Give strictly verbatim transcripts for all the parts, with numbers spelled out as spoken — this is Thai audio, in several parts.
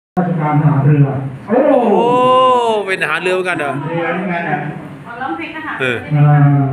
ราชการทหารเรือโอ้โอ้เป็นทหารเรือเหมือนกันเหรอเรือนี่ไงอ่ะเอาร้องเพลงทหารเอออ่า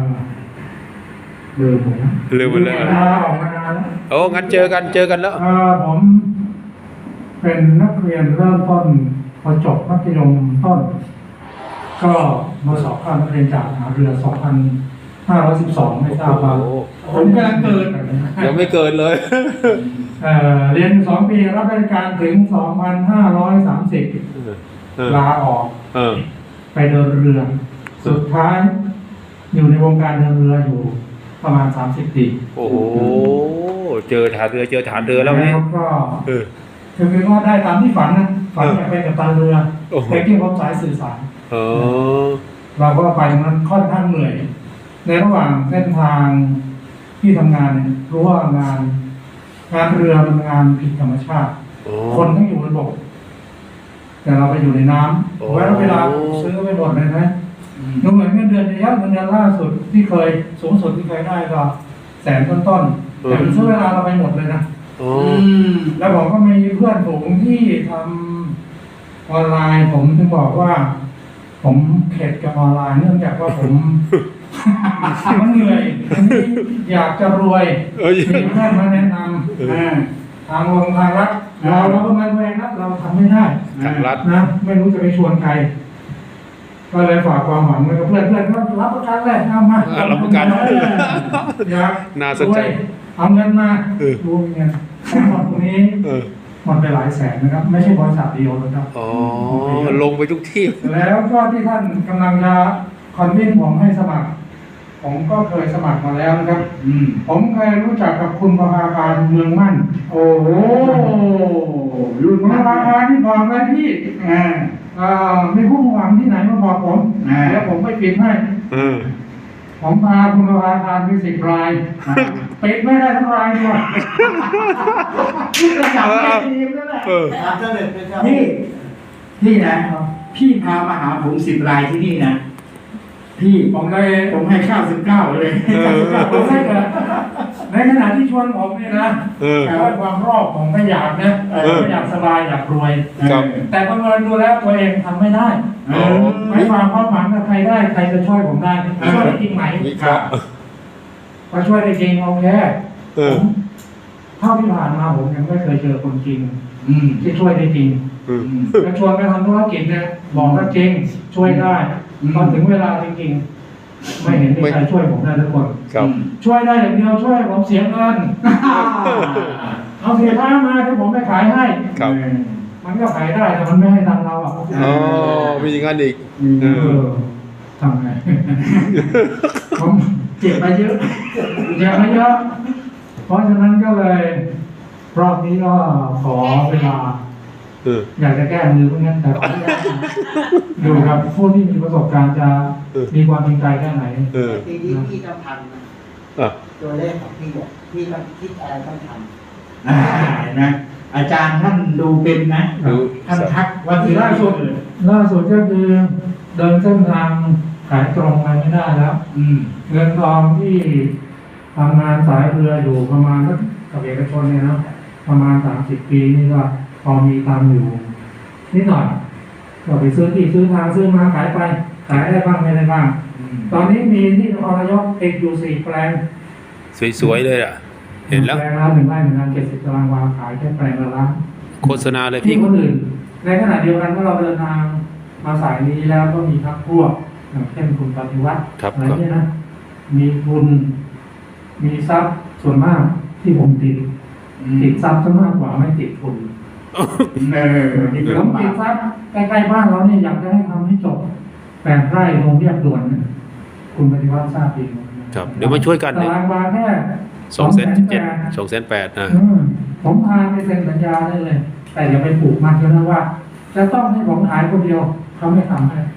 ลืมหมดนะลืมหมดเลยออกมานานแล้วโอ้งั้นเจอกันเจอกันแล้วอ่าผมเป็นนักเรียนเริ่มต้นพอจบมัธยมต้น ก็มาสอบเข้านักเรียนจากทหารเรือ สองพันห้าร้อยสิบสอง ไม่ทราบว่าโอ้โหผมกำลังเกิดยังไม่เกิดเลยเอ่อเรียนสองปีรับราชการถึง สองพันห้าร้อยสามสิบเออลาออกเออไปเดินเรือ สุดท้าย อยู่ในวงการเดินเรืออยู่ประมาณสามสิบปีโอ้โหเจอฐานเรือเจอฐานเรือแล้วนี่ก็เออคือคือว่าได้ตามที่ฝันนะฝันอยากไปกับตันเรือโอ้โหแต่ที่พบสายสื่อสารเออเราก็ไปมันค่อนข้างเหนื่อย ในระหว่างเส้นทางที่ทำงานเนี่ยรู้ว่างาน งานเรือเป็นงานผิดธรรมชาติโอ้คนต้องอยู่บนบก แต่เราไปอยู่ในน้โอ้ำไว้แล้วเวลาซื้อไปหมดเลยนะดูเหมือนเงินเดือนจะยักเงินเดือนล่าสุดที่เคยสูงสุดที่เคยได้ก็แสนต้นๆแต่มันซื้อเวลาเราไปหมดเลยนะโอ้แล้วผมก็มีเพื่อนฝูงที่ทำออนไลน์ ผมถึงบอกว่า ผมเข็ดกับออนไลน์เนื่องจากว่าผม มันเหนื่อยอันนี้อยากจะรวยเออมีเพื่อนมาแนะนำอ่าทางวงทางรัฐเราเราก็มาแวงนะเราทำไม่ได้ทางรัฐนะไม่รู้จะไปชวนใคร ก็เลยฝากความหวังไว้กับเพื่อนเพื่อนก็รับประกันเลยเอามาอ่ารับประกันเอออยากน่าสนใจรวยเอาเงินมาเออดูเงินแต่หมดตรงนี้เออหมดไปหลายแสนนะครับ ไม่ใช่บริษัทเดียวนะครับอ๋อลงไปทุกที่แล้วก็ที่ท่านกำลังจะคอนวินผมให้สมัคร ผมก็เคยสมัครมาแล้วนะครับ ผมเคยรู้จักกับคุณประภาการเมืองมั่น โอ้โหรุ่นประภาการที่บอกไว้พี่อ่าอ่ามีผู้หวังที่ไหนมาบอกผมแล้วผมไม่ปิดให้เออผมพาคุณประภาการไปสิบรายปิดไม่ได้ทั้งรายด้วยที่ระดับแม่ทีมนั่นแหละเออครับเจ้าเด็ดเป็นเจ้าพี่พี่นะพี่พามาหาผมสิบรายที่นี่นะพี่ผมเลยผมให้ข้าวสิบเก้าเลยเออผมให้เกิดในขณะที่ชวนผมเนี่ยนะเออแต่ว่าความรอบผมก็อยากนะเออเอออยากสบายอยากรวยครับแต่ประเมินดูแล้วตัวเองทำไม่ได้เออไม่ฟังความหวังกับใครได้ใครจะช่วยผมได้ช่วยได้จริงไหมวิเคราะห์พอช่วยได้จริงโอเคเออผมเท่าที่ผ่านมาผมยังไม่เคยเจอคนจริงอืมที่ช่วยได้จริงเออจะชวนไปทำธุรกิจเนี่ยบอกว่าจริงช่วยได้อืมพอถึงเวลาจริงๆไม่เห็นมีใครช่วยผมได้ทุกคนครับช่วยได้อย่างเดียวช่วยผมเสียเงิน เอาเสียท้ามาที่ผมไปขายให้ครับมันก็ขายได้แต่มันไม่ให้ตังค์เราอ่ะอ๋อมีอย่างนั้นอีกเออทำไง ผมเจ็บมาเยอะเจ็บมาเยอะ เพราะฉะนั้นก็เลยรอบนี้ก็ขอเวลาเอออยากจะแก้มือเพื่อนแต่ขออนุญาตดูครับผู้ที่มีประสบการณ์จะเออมีความจริงใจแค่ไหนเออทีนี้พี่ต้องทำนะอ่ะตัวเลขของพี่บอกพี่ต้องคิดอะไรต้องทำอ่าเห็นไหมอาจารย์ท่านดูเป็นนะดูท่านทักว่าคือที่ล่าล่าสุสุดดล่าสุดก็คือเดินเส้นทางขายตรงไปไม่ได้แล้วอืมเงินทองที่ทำงานสายเรืออยู่ประมาณสักกับเอกชนเนี่ยนะประมาณสามสิบปีนี่ก็พอมีตังค์อยู่นิดหน่อยก็ไปซื้อที่ซื้อทางซื้อมาขายไปขายได้บ้างไม่ได้บ้างอืมตอนนี้มีที่นครนายกติดอยู่สี่แปลงสวยๆเลยอ่ะ เห็นแล้วแปลงละหนึ่งไร่หนึ่งงานเจ็ดสิบตารางวาขายแค่แปลงละล้านโฆษณาเลยที่พี่คนอื่นในขณะเดียวกันเมื่อเราเดินทางมาสายนี้แล้วก็มีพักพวกอย่างเช่นคุณปฏิวัติครับอะไรครับเนี่ยนะ มีทุน มีทรัพย์ส่วนมากที่ผมติด ติดทรัพย์ซะมากกว่าไม่ติดทุนเออนี่คือผมติดทรัพย์ใกล้ๆบ้านเราเนี่ยอยากจะให้ทำให้จบแปดไร่ลงเรียบด่วนเนี่ยคุณปฏิวัติทราบดีไหมครับ เดี๋ยวมาช่วยกันตาเนี่ยรางวาแค่สองแสนเจ็ดแปดสองแสนแปดนะอืมผมพาไปเซ็นสัญญาได้เลย แต่อย่าไปผูกมัดกันนะว่า จะต้องให้ผมขายคนเดียวเขาไม่ทำให้